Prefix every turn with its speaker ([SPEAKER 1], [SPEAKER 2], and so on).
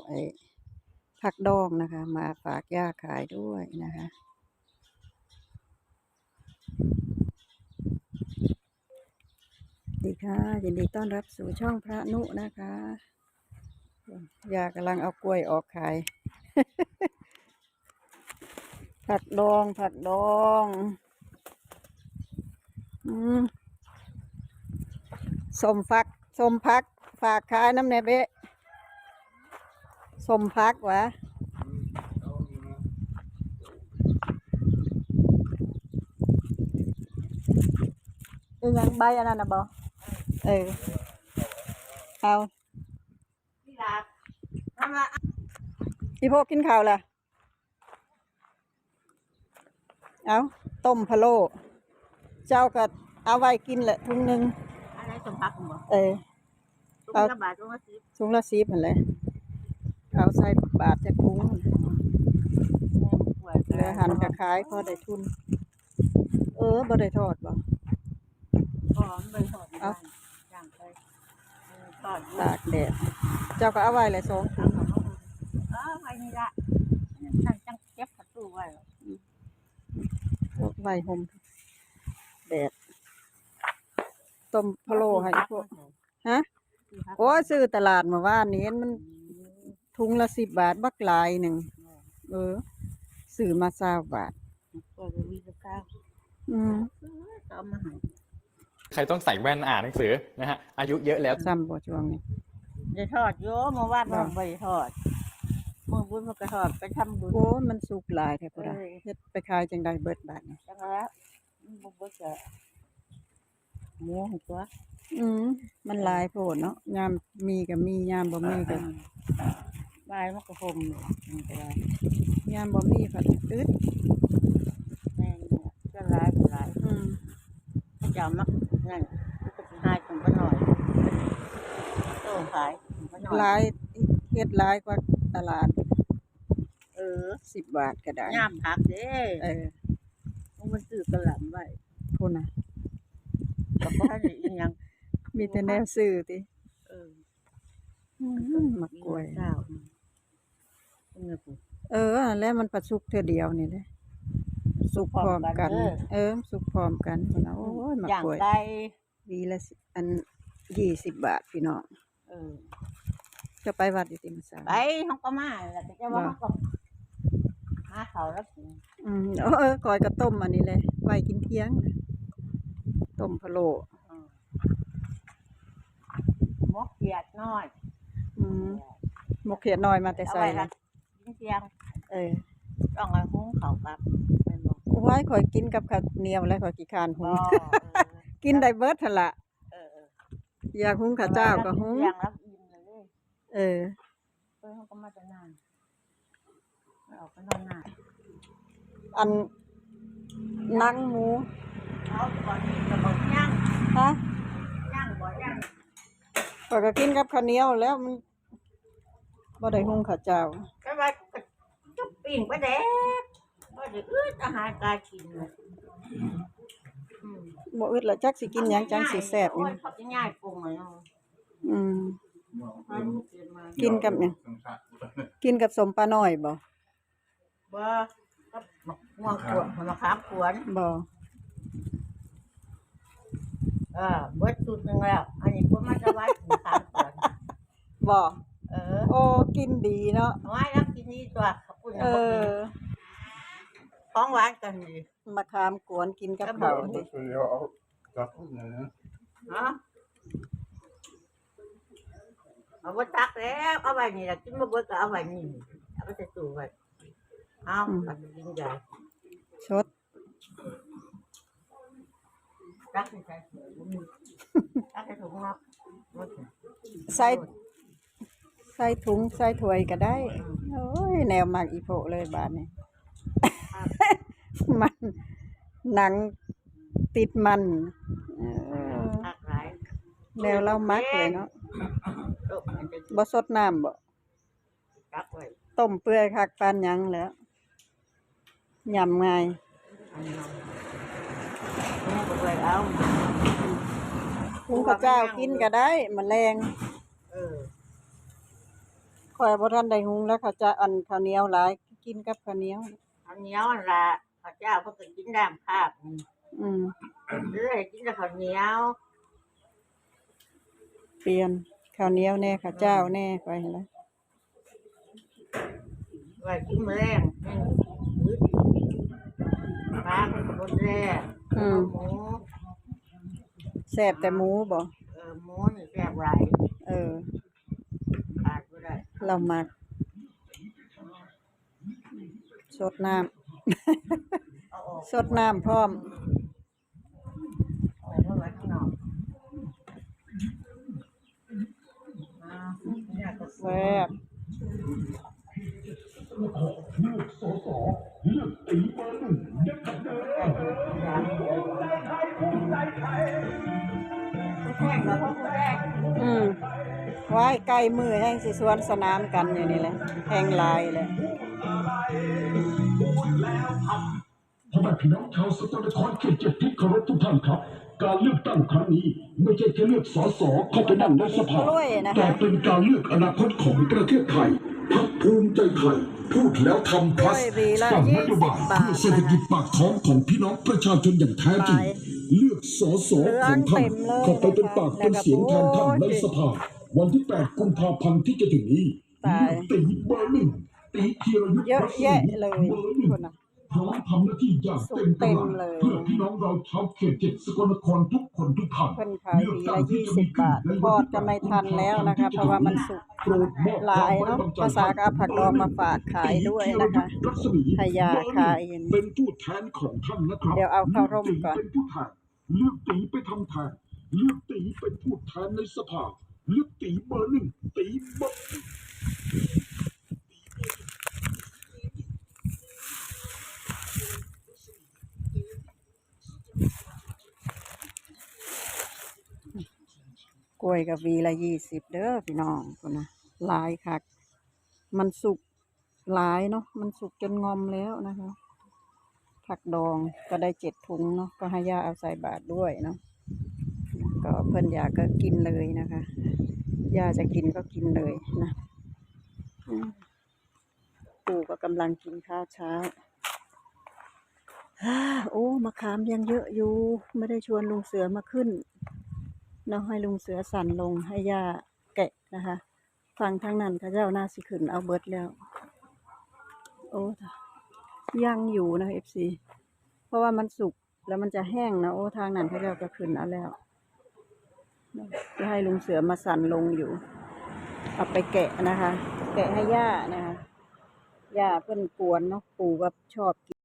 [SPEAKER 1] ไอ้ผักดองนะคะ มาฝากย่าขายด้วยนะคะดีค่ะยินดีต้อนรับสู่ช่องพระนุนะคะย่ากำลังเอากล้วยออกขาย ผักดองผักดองสมพักสมพักฝากขายน้ำเนเบะสมพักวะยังใบอันนั้นนะบอเอาพี่พวกกินข้าวล่ะเอาต้มพะโล้เจ้าก็เอาไว้กินแหละถุงหนึ่ง
[SPEAKER 2] อะไรสมพักบ่
[SPEAKER 1] เอา
[SPEAKER 2] บาท
[SPEAKER 1] ถุงละ10เหมือนเลยเอาใส่บาทจะถุงเหลือหั่นกระขายพอได้ทุนบ่ได้ทอดบ่
[SPEAKER 2] ใบทอด
[SPEAKER 1] เอา
[SPEAKER 2] ย่างไปทอด
[SPEAKER 1] ตากแดดเจ้าก็เอาไว้เลย2 ถุง
[SPEAKER 2] ไว้นี่ละนั่นจังเก็บประตูไว้
[SPEAKER 1] ไว้ห่มแดดต้มพะโล้ให้พวกฮะโอ้ซื้อตลาดเมื่อวานนี้มันถุงละ10 บาทบักหลายหนึ่งซื้อมา20 บาท
[SPEAKER 2] ก็มีราคาเอามาให้
[SPEAKER 3] ใครต้องใส่แว่นอ่านหนังสือนะฮะอายุเยอะแล้ว
[SPEAKER 1] ซ้ำบ่ช่วงนี้
[SPEAKER 2] ได้ทอดโยเมื่อวานเราไปทอดเมื่อบุญมันก็ทอดไปทำบุญ
[SPEAKER 1] โอ้มันสุกหลายแท้พุ่นน่ะเฮ็ดไปขายจังได๋เบิดบาทนี่
[SPEAKER 2] จังแล้วบ่เบิดก็หมูตัว
[SPEAKER 1] มันหลายโพดเนาะยามมีก็มียามบ่มีก็
[SPEAKER 2] บายมันก็ห่มมันก็ได้
[SPEAKER 1] ยามบ่มีผัดอึด
[SPEAKER 2] แม่นก็หลายเจ้ามักนั่นก็สิหายของบ่น้อยโตขายบ่น้อย
[SPEAKER 1] หลายเฮ็ดหลายกว่าตลาด10 บาทก็ได้
[SPEAKER 2] ยามผักเด้มันซื้อกะหล่ำไว้
[SPEAKER 1] พุ่นน่ะ
[SPEAKER 2] ก็บ่ทันได้อีหยัง
[SPEAKER 1] มีแต่แนวซื้อติมักกล้วยแล้วมันประสุกเทื่อเดียวนี่แหละสุกพร้อมกันสุกพร้อมกันพุ่นน่ะโอ้ยมักกล้วยวีละอัน20 บาทพี่น้องจะไปวัดอยู่ติมื้อเช้า
[SPEAKER 2] ไปเฮาก็มาแล้วแต่ว่าเฮาก็หาข้าวแล้วกิน
[SPEAKER 1] ก้อยก็ต้มอันนี้เลยไว้กินเที่ยงต้มพะโล้
[SPEAKER 2] หมกเขียดน้อย
[SPEAKER 1] หมกเขียดน้อยมาแต่ไสล่ะ
[SPEAKER 2] กินเที่ยงต้องเอาหุงข้าวกับแม่นบ่
[SPEAKER 1] โอ้ยข่อยกินกับข้าวเหนียวแล้วข่อยขี้คร้านหุงกินได้เบิดหั่นล่ะอยากหุงข้าวเจ้าก็หุง
[SPEAKER 2] เที่ยงแล้วอิ่มเลยเฮาก็มาแต่นานออกไปนอนนาน
[SPEAKER 1] อันหนังหมู
[SPEAKER 2] เอาก่อนจะบ่ย่าง
[SPEAKER 1] ฮะ
[SPEAKER 2] ย่างบ่ย่าง
[SPEAKER 1] ข่อยก็กินกับข้าวเหนียวแล้วมันบ่ได้หุงข้าวเจ้า
[SPEAKER 2] ก็ว่าจุ๊บปิ้งปลาแดกบ่ได้อึดอาหารการกิน
[SPEAKER 1] บ่อึดละจักสิกินหยังจังสิแซ่บนี่
[SPEAKER 2] เขาจะง่ายปรุงอ่ะเนาะ
[SPEAKER 1] กินกับหยังกินกับสมปลาน้อยบ่
[SPEAKER 2] กับม่วงขวดมะขามขวน
[SPEAKER 1] บ่
[SPEAKER 2] เบิดสุดนึงแล้วอันนี้ก็มาจะไว้มะขามขวน
[SPEAKER 1] บ่โอ้กินดีเนาะ
[SPEAKER 2] ไว้แล้วกินนี่ตัวขอบคุณของหวานกันดี
[SPEAKER 1] มะขามกวนกินกับข้าวติ
[SPEAKER 2] เอาบ่ตักแล้วเอาไว้นี่ล่ะกินบ่เบิดก็เอาไว้นี่เอาไปใส่ตู้ไว้เอาตักกินใหญ่
[SPEAKER 1] ชด
[SPEAKER 2] ตักใส่ตักใส่ถุงเนาะ
[SPEAKER 1] ใส่ถุงใส่ถ้วยก็ได้โอ้ยแนวมักอีโพเลยบาดนี้มันหนังติดมันแนวเรามักเลยเนาะบ่สดน้ำบ่ต้มเปื่อยคักปานหยังแล้วยำง่ายหุงข้าวเจ้ากินก็ได้แมลงข่อยบ่ทันได้หุงแล้วเขาจะอันข้าวเหนียวหลายกินกับข้าวเหนียว
[SPEAKER 2] ข้าวเหนียวนั่นล่ะข้าวเจ้าเพิ่นก็กินน้ำคาบนี่
[SPEAKER 1] อืม
[SPEAKER 2] หรือให้กินแต่ข้าวเหนียว
[SPEAKER 1] เปลี่ยนข้าวเหนียวแน่ข้าวเจ้าแน่ไปแล้ว
[SPEAKER 2] ไว้กินมื้อแรงอึดปลาเพิ่นก็บ่แซ่บหมู
[SPEAKER 1] แซ่บแต่หมูบ่
[SPEAKER 2] หมูนี่แซ่บหลาย
[SPEAKER 1] เออ
[SPEAKER 2] ขาดบ่ได้
[SPEAKER 1] เรามักสดน้ำ
[SPEAKER 2] เอาออก
[SPEAKER 1] สดน้ำพร้อม
[SPEAKER 2] เอาไว้ข้างนอกเนี่ยก็สวย
[SPEAKER 1] แซ่บ
[SPEAKER 2] แข่งกับพวกแรก
[SPEAKER 1] ไว้ใกล้มือแห่งสิสวนสนามกันอยู่นี่แหละแห่งหลายเลย
[SPEAKER 4] พ่อแม่พี่น้องชาวสกลนครเขตเจ็ดที่เคารพทุกท่านครับ การเลือกตั้งครั้งนี้ไม่ใช่แค่เลือกสสเข้าไปนั่งในสภาแต่เป็นการเลือกอนาคตของประเทศไทยพรรคภูมิใจไทยพูดแล้วทำพลัสสร้างนโยบายเพื่อเศรษฐกิจปากท้องของพี่น้องประชาชนอย่างแท้จริงเลือกสสของท่านเข้าไปเป็นปากเป็นเสียงแทนท่านในสภาวันที่ 8 กุมภาพันธ์ที่จะถึงนี้เลือกตีเบอร์หนึ่งตีธีรยุทธ์
[SPEAKER 1] เยอะ
[SPEAKER 4] รัศมี
[SPEAKER 1] แยะเลย
[SPEAKER 4] เบอร์หนึ่ง
[SPEAKER 1] คนน่ะ
[SPEAKER 4] พร้อมทำหน้าที่อย่างเต็มกำลังเพื่อพี่น้องเราชาวเขตเจ็ดสกลนครทุกคนทุกท่าน
[SPEAKER 1] เพิ่นขายวีละ20 บาททอดก็ไม่ทันแล้วนะคะเพราะว่ามันสุกหลายเนาะภาษาก็เอาผักดองมาฝากขายด้วยนะคะให้ยาขายอย่างนี้
[SPEAKER 4] เป็นผู้แทนของท่านนะครับ
[SPEAKER 1] เดี๋ยวเอาเข้าร่มก่อน
[SPEAKER 4] เป็นผู้แทนเลือกตีไปทำแทนเลือกตีเป็นผู้แทนในสภาเลือกตีเบอร์หนึ่งตีเบอร์
[SPEAKER 1] กล้วยกับวีละ20เด้อพี่น้องคนนะหลายคักมันสุกหลายเนาะมันสุกจนงอมแล้วนะคะผักดองก็ได้7 ถุงเนาะก็ให้ย่าเอาใส่บาตรด้วยเนาะก็เพิ่นอยากก็กินเลยนะคะย่าจะกินก็กินเลยนะปู่ก็กำลังกินข้าวเช้าโอ้มะขามยังเยอะอยู่ไม่ได้ชวนลุงเสือมาขึ้นเนาะให้ลุงเสือสั่นลงให้ย่าแกะนะคะฟังทางนั้นเขาเจ้าหน้าสิขึ้นเอาเบิดแล้วโอ้ยังอยู่นะ FC เพราะว่ามันสุกแล้วมันจะแห้งนะโอ้ทางนั้นเขาเจ้าก็ขึ้นเอาแล้วจะให้ลุงเสือมาสั่นลงอยู่เอาไปแกะนะคะ แกะให้ย่านะคะย่าเพิ่นกวนเนาะปู่ก็ชอบกิน